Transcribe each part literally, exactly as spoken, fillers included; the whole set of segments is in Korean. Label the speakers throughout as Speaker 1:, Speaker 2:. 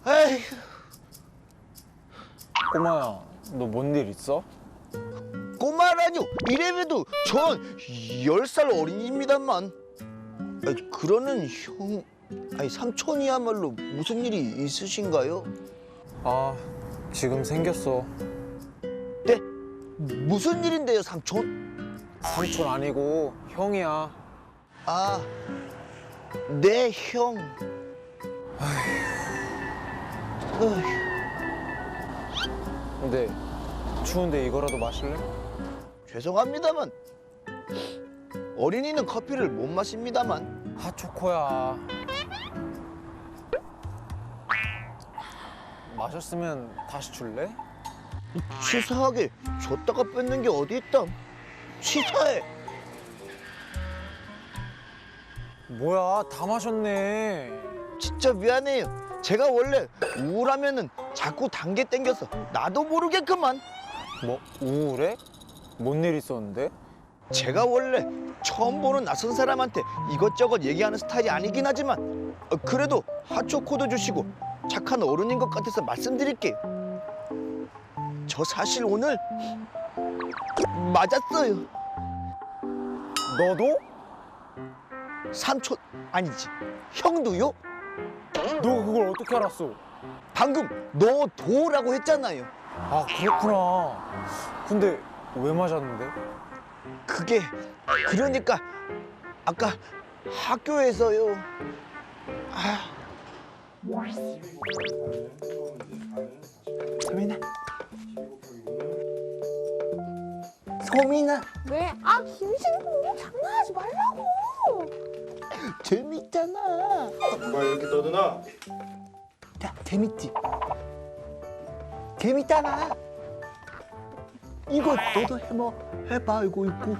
Speaker 1: 에이,
Speaker 2: 꼬마야, 너 뭔 일 있어?
Speaker 1: 꼬마라뇨. 이래봬도 전 열 살 어린이입니다만. 아니, 그러는 형, 아니 삼촌이야말로 무슨 일이 있으신가요?
Speaker 2: 아, 지금 생겼어.
Speaker 1: 네? 무슨 일인데요, 삼촌?
Speaker 2: 삼촌 아니고 형이야.
Speaker 1: 아, 네, 형. 어휴.
Speaker 2: 근데 추운데 이거라도 마실래?
Speaker 1: 죄송합니다만 어린이는 커피를 못 마십니다만.
Speaker 2: 핫초코야. 마셨으면 다시 줄래?
Speaker 1: 치사하게 줬다가 뺏는 게 어디 있담. 치사해.
Speaker 2: 뭐야, 다 마셨네.
Speaker 1: 진짜 미안해요. 제가 원래 우울하면은 자꾸 단계 땡겨서 나도 모르게 그만.
Speaker 2: 뭐, 우울해? 뭔 일 있었는데?
Speaker 1: 제가 원래 처음 보는 낯선 사람한테 이것저것 얘기하는 스타일이 아니긴 하지만 어, 그래도 핫초코도 주시고 착한 어른인 것 같아서 말씀드릴게요. 저 사실 오늘 맞았어요.
Speaker 2: 너도?
Speaker 1: 삼촌 아니지, 형도요?
Speaker 2: 너 그걸 어떻게 알았어?
Speaker 1: 방금 너 도라고 했잖아요.
Speaker 2: 아, 그렇구나. 근데 왜 맞았는데?
Speaker 1: 그게 그러니까 아까 학교에서요. 아. 소민아. 소민아.
Speaker 3: 왜? 아, 김신구 장난하지 말라고.
Speaker 1: 재밌잖아.
Speaker 4: 엄마 이렇게 떠드나?
Speaker 1: 야, 재밌지? 재밌잖아. 이거 너도 해봐. 해봐, 이거 있고.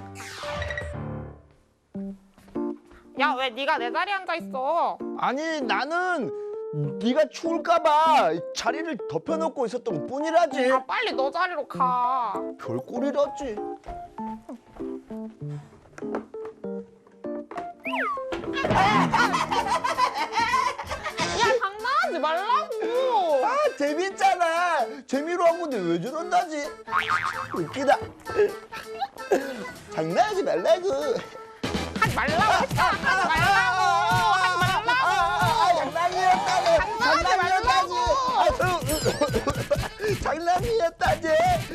Speaker 3: 야, 왜 네가 내 자리에 앉아 있어?
Speaker 1: 아니, 나는 네가 추울까봐 자리를 덮여놓고 있었던 뿐이라지.
Speaker 3: 아, 빨리 너 자리로 가.
Speaker 1: 별꼴이라지.
Speaker 3: 야, 장난하지 말라고.
Speaker 1: 아, 재밌잖아. 재미로 한 건데 왜 저런다지? 웃기다. 장난하지 말라고.
Speaker 3: 하지 말라고 했잖아. 하지 말라고. 하지 말라고.
Speaker 1: 아, 장난이었다고.
Speaker 3: 장난하지
Speaker 1: 장난이었다지. 장난이었다지.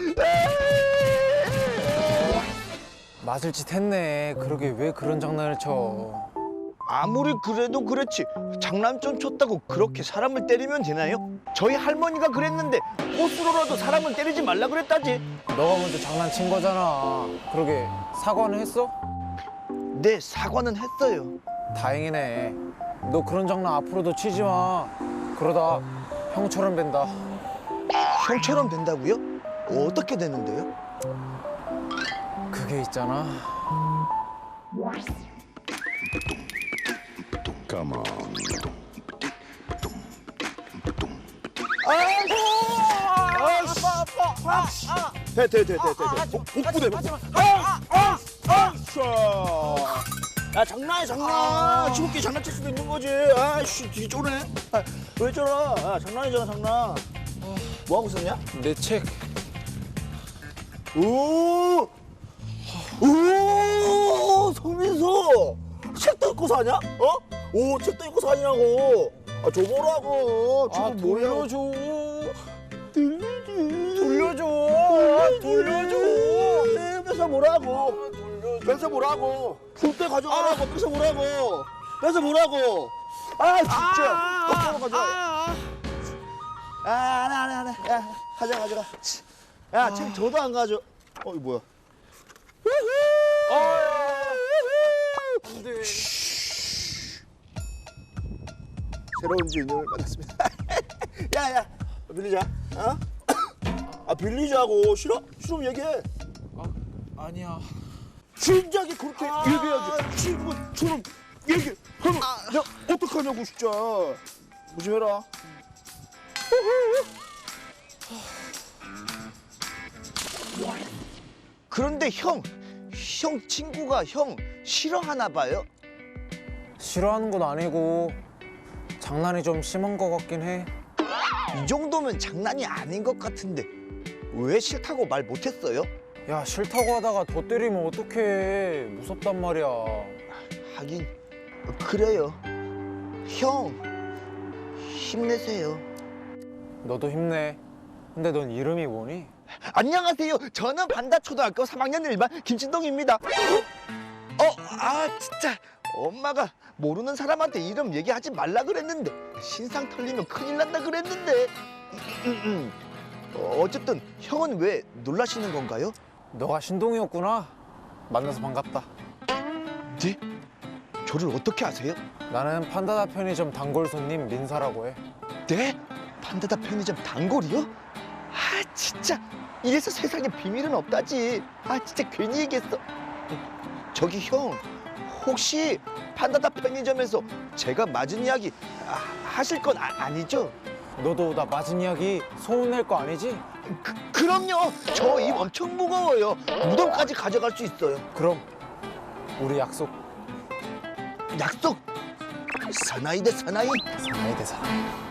Speaker 2: 맞을 짓 했네. 그러게 왜 그런 장난을 쳐?
Speaker 1: 아무리 그래도 그렇지 장난 좀 쳤다고 그렇게 사람을 때리면 되나요? 저희 할머니가 그랬는데 꽃으로라도 사람을 때리지 말라 그랬다지.
Speaker 2: 너가 먼저 장난친 거잖아. 그러게 사과는 했어?
Speaker 1: 네, 사과는 했어요.
Speaker 2: 다행이네. 너 그런 장난 앞으로도 치지 마. 그러다 형처럼 된다.
Speaker 1: 형처럼 된다고요? 어떻게 되는데요?
Speaker 2: 그게 있잖아.
Speaker 4: Come on.
Speaker 1: 아이씨! 아이씨! 돼, 돼, 돼, 돼, 돼. 복- 복부대, 복부. 야, 장난해, 장난. 치고끼 장난칠 수도 있는 거지. 아이씨, 뒤 쪼네. 아, 왜 저러? 아, 장난이잖아, 장난. 뭐 하고 있었냐?
Speaker 2: 내 책.
Speaker 1: 오! 오! 송민수! 책도 읽고 사냐? 어? 오, 책도 읽고 사냐고. 아, 줘보라고.
Speaker 2: 아,
Speaker 1: 지금 뭐야?
Speaker 2: 돌려줘.
Speaker 1: 돌려줘.
Speaker 2: 돌려줘. 돌려줘.
Speaker 1: 뺏어 보라고. 뺏어 보라고. 풀때 가져가라고. 뺏어 보라고. 뺏어 보라고. 아, 진짜. 거꾸로 가져와. 아, 안 해, 안 해, 안 해. 야, 가져가, 가져가. 야, 책 저도 안 가져. 어, 이거 뭐야?
Speaker 2: 안 돼.
Speaker 1: 새로운 주인을 만났습니다. 야, 야, 빌리자. 어? 아, 빌리자고. 싫어? 싫으면 얘기해.
Speaker 2: 아니야.
Speaker 1: 진작에 그렇게 얘기해야지. 친구처럼 얘기하면 내가 어떡하냐고, 진짜. 조심해라. 그런데 형, 형 친구가 형 싫어하나 봐요?
Speaker 2: 싫어하는 건 아니고 장난이 좀 심한 것 같긴 해.
Speaker 1: 이 정도면 장난이 아닌 것 같은데 왜 싫다고 말 못했어요?
Speaker 2: 야 싫다고 하다가 더 때리면 어떡해. 무섭단 말이야.
Speaker 1: 하긴 그래요. 형 힘내세요.
Speaker 2: 너도 힘내. 근데 넌 이름이 뭐니?
Speaker 1: 안녕하세요. 저는 반다초등학교 삼 학년 일 반 김진동입니다. 어, 아 진짜 엄마가 모르는 사람한테 이름 얘기하지 말라 그랬는데 신상 털리면 큰일 난다 그랬는데 음, 음. 어, 어쨌든 형은 왜 놀라시는 건가요?
Speaker 2: 너가 신동이었구나. 만나서 반갑다.
Speaker 1: 네? 저를 어떻게 아세요?
Speaker 2: 나는 판다다 편의점 단골 손님 민사라고 해.
Speaker 1: 네? 판다다 편의점 단골이요? 아 진짜 이래서 세상에 비밀은 없다지. 아 진짜 괜히 얘기했어. 저기 형 혹시 판다다 편의점에서 제가 맞은 이야기 아, 하실 건 아, 아니죠?
Speaker 2: 너도 나 맞은 이야기 소문낼 거 아니지?
Speaker 1: 그, 그럼요. 저 입 엄청 무거워요. 무덤까지 가져갈 수 있어요.
Speaker 2: 그럼 우리 약속.
Speaker 1: 약속. 사나이 대 사나이.
Speaker 2: 사나이 대 사나이.